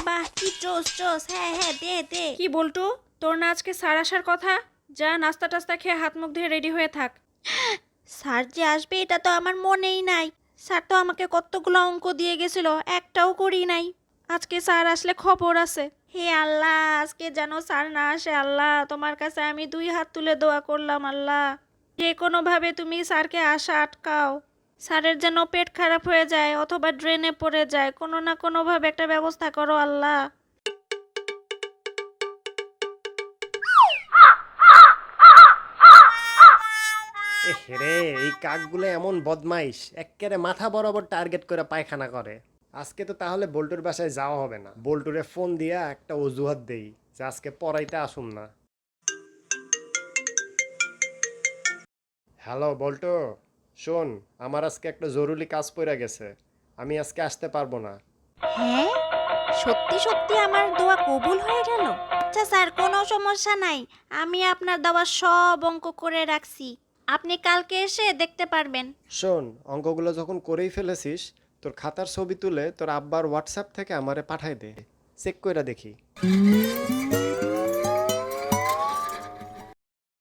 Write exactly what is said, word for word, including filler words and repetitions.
বাহ কি জোস জোস, হ্যাঁ হ্যাঁ দে দে। কি বলতো, তোর না আজকে স্যার আসার কথা? যা নাস্তা টাস্তা খেয়ে হাত মুখ ধুয়ে রেডি হয়ে থাক। স্যার যে আসবে এটা তো আমার মনেই নাই। স্যার তো আমাকে কতগুলো অঙ্ক দিয়ে গেছিল, একটাও করি নাই। আজকে স্যার আসলে খবর আছে। হে আল্লাহ, আজকে যেন স্যার না আসে আল্লাহ, তোমার কাছে আমি দুই হাত তুলে দোয়া করলাম আল্লাহ। যে কোনোভাবে তুমি স্যারকে আসা আটকাও। স্যারের যেন পেট খারাপ হয়ে যায় অথবা ড্রেনে পড়ে যায়, কোনো না কোনোভাবে একটা ব্যবস্থা করো আল্লাহ। এরে এই কাকগুলো এমন বদমাইশ, এক্কেরে মাথা বরাবর টার্গেট করে পায়খানা করে। আজকে তো তাহলে বল্টুর বাসায় যাওয়া হবে না, বল্টুরে ফোন দিয়া একটা অজুহাত দেই যে আজকে পড়াইতে আসুম না। হ্যালো বল্টু, শোন, আমার আজকে একটা জরুরি কাজ পড়ে গেছে, আমি আজকে আসতে পারবো না। হ্যাঁ, সত্যি সত্যি আমার দোয়া কবুল হয়ে গেল। আচ্ছা স্যার, কোনো সমস্যা নাই, আমি আপনার দেওয়া সব অঙ্ক করে রাখছি, আপনি কালকে এসে দেখতে পারবেন। শোন, অঙ্কগুলো যখন করেই ফেলেছিস, তোর খাতার ছবি তুলে তোর আব্বার হোয়াটসঅ্যাপ থেকে আমারে পাঠাই দে, চেক কইরা দেখি।